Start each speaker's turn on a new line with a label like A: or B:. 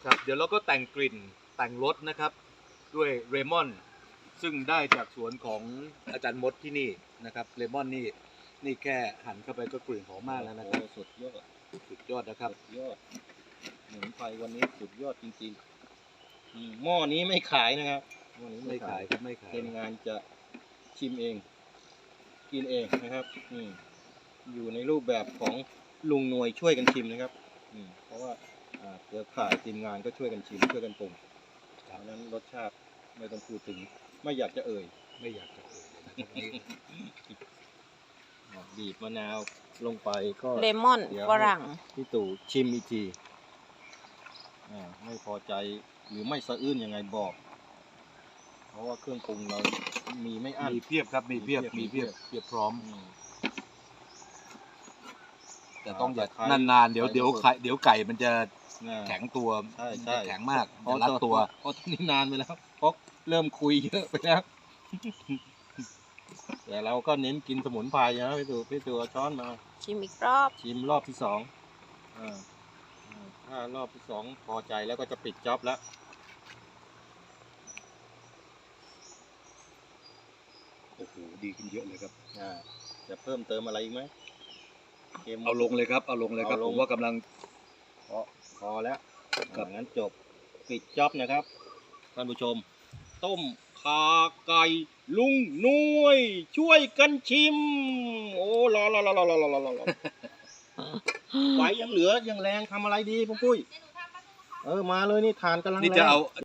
A: ครับเดี๋ยวเราก็แต่งกลิ่นแต่งรสนะครับด้วยเลมอนซึ่งได้จากสวนของอาจารย์มดที่นี่นะครับเลมอนนี่แค่หั่นเข้าไปก็กลิ่นหอมมากแล้วนะครับ
B: สุดยอด
A: นะครับ
B: สุดยอดหมุนไฟวันนี้สุดยอดจริงๆหม้อนี้ไม่ขายนะครับหม้อนี้
A: ไม่ขายครับไม่ขาย
B: ทีมงานจะชิมเองกินเองนะครับอยู่ในรูปแบบของลุงหน่วยช่วยกันชิมนะครับเพราะว่าเครือข่ายทีมงานก็ช่วยกันชิมช่วยกันปรุงเพราะนั้นรสชาติไม่ต้องพูดถึงไม่อยากจะเอ่ยบีบมะนาวลงไปก็
C: เลมอนฝรั่ง
B: พี่ตู่ชิมอีกทีไม่พอใจหรือไม่สะอื้นยังไงบอก เพราะว่าเครื่องปรุงเรามีไม่อั้น
A: มีเพียบครับมีเพียบพร้อมแต่ต้องอย่านานๆเดี๋ยวไก่มันจะแข็งตัวจะแข็งมากจะรัดตัว
B: เพราะตอนนี้นานไปแล้วเพราะเริ่มคุยเยอะไปแล้วแต่เราก็เน้นกินสมุนไพรนะพี่ตู่ช้อนมา
C: ชิมอีกรอบ
B: ชิมรอบที่2ถ้ารอบที่2พอใจแล้วก็จะปิดจ็อบแล้ว
A: โอ้โหดีขึ้นเยอะเลยครับ
B: จะเพิ่มเติมอะไรอีกไหม
A: เอาลงเลยครับผมว่ากำลัง
B: พอแล้วงั้นจบปิดจ็อบนะครับท่านผู้ชมต้มขาไก่ลุงหน่วยช่วยกันชิมโอ้รอไฟยังเหลือยังแรงทำอะไรดีปุ้ยมาเลยนี่ทานกำลังแรง